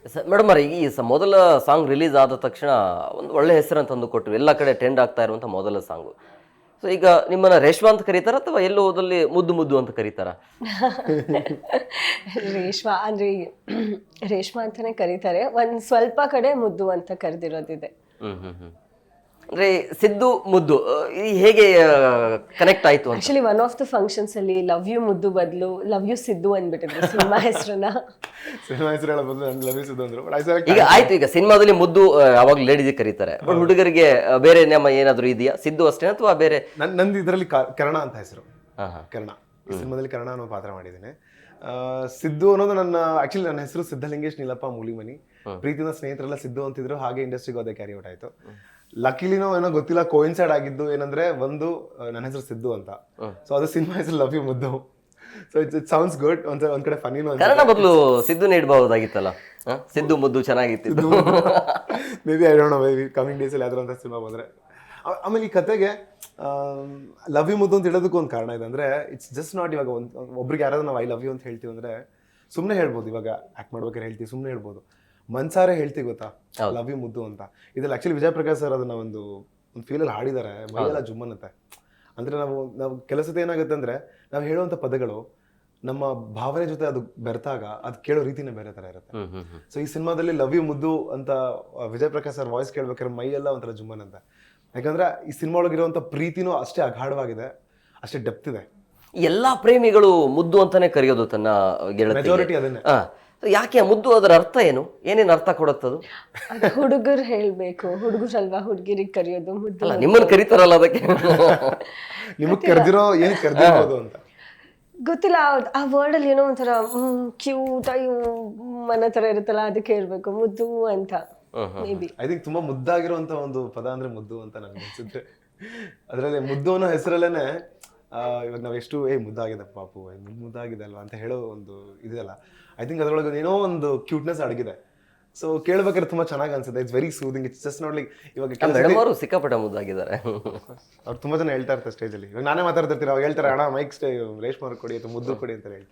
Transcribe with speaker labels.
Speaker 1: Madam ಅವ್ರೆ, ಈ ಮೊದಲ ಸಾಂಗ್ ರಿಲೀಸ್ ಆದ ತಕ್ಷಣ ಒಂದು ಒಳ್ಳೆ ಹೆಸರನ್ನು ತಂದು ಕೊಟ್ಟರು, ಎಲ್ಲ ಕಡೆ ಟ್ರೆಂಡ್ ಆಗ್ತಾ ಇರುವಂಥ ಮೊದಲ ಸಾಂಗು. ಸೊ ಈಗ ನಿಮ್ಮನ್ನ ರೇಷ್ಮಾ ಅಂತ ಕರೀತಾರ ಅಥವಾ ಎಲ್ಲೋ ಹೋದಲ್ಲಿ ಮುದ್ದು ಮುದ್ದು ಅಂತ ಕರೀತಾರ?
Speaker 2: ರೇಷ್ಮಾ ಅಂದ್ರೆ ರೇಷ್ಮಾ ಅಂತಾನೆ ಕರೀತಾರೆ. ಒಂದ್ ಸ್ವಲ್ಪ ಕಡೆ ಮುದ್ದು ಅಂತ ಕರೆದಿರೋದಿದೆ.
Speaker 1: ಅಂದ್ರೆ ಸಿದ್ದು ಮುದ್ದು ಈ ಹೇಗೆ ಕನೆಕ್ಟ್ ಆಯ್ತು ಅಂತ?
Speaker 2: Actually one of the functions ಅಲ್ಲಿ ಲವ್ ಯು ಮುದ್ದು ಬದಲು ಲವ್ ಯು ಸಿದ್ದು ಅಂದ್ಬಿಟ್ಟಿದ್ರು ಸಿನಿಮಾ ಹೆಸರನ್ನ.
Speaker 3: ಸಿನಿಮಾ ಹೆಸರು ಹೇಳೋ ಬದಲು ನಾನು ಲಭಿಸಿದ್ದು ಅಂದ್ರು.
Speaker 1: ಈಗ ಆಯ್ತು, ಈಗ ಸಿನಿಮಾದಲ್ಲಿ ಮುದ್ದು ಅವಾಗ ಲೇಡೀಸ್ ಕರೀತಾರೆ, ಬಟ್ ಹುಡುಗರಿಗೆ ಬೇರೆ ನೇಮ ಏನಾದ್ರು ಇದೆಯಾ? ಸಿದ್ದು ಅಷ್ಟೇ ಅಥವಾ ಬೇರೆ?
Speaker 3: ನಂದು ಇದರಲ್ಲಿ ಕರ್ಣ ಅಂತ ಹೆಸರು. ಕರ್ಣ ಈ ಸಿನಿಮಾದಲ್ಲಿ ಕರ್ಣ ಅನ್ನೋ ಪಾತ್ರ ಮಾಡಿದ್ದೇನೆ. ಸಿದ್ದು ಅನ್ನೋದು ಆಕ್ಚುಲಿ ನನ್ನ ಹೆಸರು ಸಿದ್ಧಲಿಂಗೇಶ್ ನೀಲಪ್ಪ ಮೂಲಿಮನಿ. ಪ್ರೀತಿನ ಸ್ನೇಹಿತರೆಲ್ಲ ಸಿದ್ದು ಅಂತಿದ್ರು, ಹಾಗೆ ಇಂಡಸ್ಟ್ರಿಗೆ ಹೋದೆ, ಕ್ಯಾರಿ ಔಟ್ ಆಯ್ತು. ಲಕ್ಕಿಲಿನೋ ಏನೋ ಗೊತ್ತಿಲ್ಲ, ಕೋಯಿನ್ಸೈಡ್ ಆಗಿದ್ದು ಏನಂದ್ರೆ ಒಂದು ನನ್ನ ಹೆಸರು ಸಿದ್ದು ಅಂತ, ಸೊ ಅದು ಸಿನಿಮಾ ಹೆಸರು love you Muddu. So it sounds good. ಒಂದ್ ಕಡೆ ಫನಿನೂ
Speaker 1: ಕನ್ನಡ ಬದಲು ಸಿದ್ದು ನೀಡಬಹುದಾಗಿತ್ತಲ್ಲ, ಸಿದ್ದು ಮುದ್ದು ಚೆನ್ನಾಗಿತ್ತು.
Speaker 3: Maybe I don't know, maybe coming days ಅಲ್ಲಿ ಯಾವ್ದಾರ ಅಂತ ಸಿನಿಮಾ ಬಂದ್ರೆ. ಆಮೇಲೆ ಈ ಕತೆಗೆ ಲವ್ ಯು ಮುದ್ದು ಅಂತ ಹೇಳೋದಕ್ಕೂ ಒಂದು ಕಾರಣ ಇದೆ. ಅಂದ್ರೆ ಇಟ್ಸ್ ಜಸ್ಟ್ ನಾಟ್ ಇವಾಗ ಒಬ್ರಿಗೆ ಯಾರಾದ್ರೂ ನಾವು ಐ ಲವ್ ಯು ಅಂತ ಹೇಳ್ತೀವಿ ಅಂದ್ರೆ ಸುಮ್ಮನೆ ಹೇಳ್ಬೋದು, ಇವಾಗ ಆಕ್ಟ್ ಮಾಡ್ಬೇಕಾದ್ರೆ ಹೇಳ್ತೀವಿ, ಸುಮ್ಮನೆ ಹೇಳ್ಬೋದು. ಮನ್ಸಾರೆ ಹೇಳ್ತೀವಿ ಗೊತ್ತಾ ಲವ್ ಯು ಮುದ್ದು ಅಂತ. ಇದ್ರಲ್ಲಿ ಆಕ್ಚುಲಿ ವಿಜಯ್ ಪ್ರಕಾಶ್ ಸರ್ ಅದನ್ನ ಒಂದು ಫೀಲಲ್ಲಿ ಹಾಡಿದ್ದಾರೆ, ಮೈಯೆಲ್ಲ ಜುಮ್ಮನ್ನತ್ತೆ. ಅಂದ್ರೆ ನಾವು ಕೆಲಸದ ಏನಾಗುತ್ತೆ ಅಂದ್ರೆ ನಾವು ಹೇಳುವಂತ ಪದಗಳು ನಮ್ಮ ಭಾವನೆ ಜೊತೆ ಅದು ಬೆರೆತಾಗ ಅದು ಕೇಳೋ ರೀತಿನೇ ಬೇರೆ ತರ ಇರುತ್ತೆ. ಸೊ ಈ ಸಿನಿಮಾದಲ್ಲಿ ಲವ್ ಯು ಮುದ್ದು ಅಂತ ವಿಜಯ್ ಪ್ರಕಾಶ್ ಸರ್ ವಾಯ್ಸ್ ಕೇಳ್ಬೇಕಾದ್ರೆ ಮೈಯೆಲ್ಲ ಒಂಥರ ಜುಮ್ಮನಂತೆ. ಯಾಕಂದ್ರೆ ಈ ಸಿನಿಮಾ ಒಳಗಿರುವಂತ ಪ್ರೀತಿನೂ ಅಷ್ಟೇ ಅಗಾಢವಾಗಿದೆ, ಅಷ್ಟೇ ಡೆಪ್ತ್ ಇದೆ.
Speaker 1: ಎಲ್ಲಾ ಪ್ರೇಮಿಗಳು ಮುದ್ದು ಅಂತಾನೆ ಕರೆಯೋದು ತನ್ನ
Speaker 3: ಮೆಜಾರಿಟಿ ಅದನ್ನೇ.
Speaker 1: ಯಾಕೆ ಮುದ್ದು? ಅದರ ಅರ್ಥ ಏನು? ಏನೇನು ಅರ್ಥ ಕೊಡುತ್ತದು?
Speaker 2: ಹುಡುಗರು ಹೇಳ್ಬೇಕು, ಹುಡುಗರಲ್ವಾ ಹುಡುಗಿರಿಗೆ ಕರೆಯೋದು ಮುದ್ದು.
Speaker 1: ಅಲ್ಲ, ನಿಮ್ಮನ್ನು ಕರೀತಾರಲ್ಲ ಅದಕ್ಕೆ.
Speaker 3: ನಿಮಗ್ ಕರೆದಿರೋ ಏನ್ ಕರೆದಿರ್ಬೋದು ಅಂತ
Speaker 2: ಗೊತ್ತಿಲ್ಲ. ಆ ವರ್ಡ್ ಅಲ್ಲಿ ಏನೋ ಒಂಥರ ಕ್ಯೂಟ್ ಅಯ್ಯೋ ಮನ ತರ ಇರುತ್ತಲ್ಲ, ಅದಕ್ಕೆ ಹೇಳ್ಬೇಕು ಮುದ್ದು ಅಂತ. ಮೇ ಬಿ
Speaker 3: ಐ ಥಿಂಕ್ ತುಂಬಾ ಮುದ್ದಾಗಿರುವಂತ ಒಂದು ಪದ ಅಂದ್ರೆ ಮುದ್ದು ಅಂತ ನನ್ಗೆ ಅನ್ಸುತ್ತೆ. ಅದ್ರಲ್ಲಿ ಮುದ್ದು ಅನ್ನೋ ಹೆಸರಲ್ಲೇನೆ ಇವಾಗ ನಾವ್ ಎಷ್ಟು ಮುದ್ದಾಗಿದೆ ಪಾಪು, ಮುದ್ದಾಗಿದೆ ಅಲ್ವಾ ಅಂತ ಹೇಳೋ ಒಂದು ಇದೆಯಲ್ಲ, ಐ ಥಿಂಕ್ ಅದ್ರೊಳಗೆ ಏನೋ ಒಂದು ಕ್ಯೂಟ್ನೆಸ್ ಅಡಗಿದೆ. ಸೊ ಕೇಳ್ಬೇಕಾದ್ರೆ ತುಂಬಾ ಚೆನ್ನಾಗಿ ಅನ್ಸುತ್ತೆ. It's very soothing. It's just not like ಇವಾಗ
Speaker 1: ಮೇಡಮ್ ಅವರು ಸಿಕ್ಕಾಪಟ್ಟೆ ಮುದ್ದಾಗಿದ್ದಾರೆ.
Speaker 3: ಅವ್ರು ತುಂಬಾ ಜನ ಹೇಳ್ತಾ ಇರ್ತಾರೆ ಸ್ಟೇಜ್ ಅಲ್ಲಿ. ಇವಾಗ ನಾನೇ ಮಾತಾಡ್ತಿರ್ತೀರ, ಅವಾಗ ಹೇಳ್ತಾರೆ ಅಣ್ಣ ಮೈಕ್ ರೇಷ್ಮಾ ಕೊಡಿ ಅಥವಾ ಮುದ್ದು ಕೊಡಿ ಅಂತ ಹೇಳ್ತಾರೆ.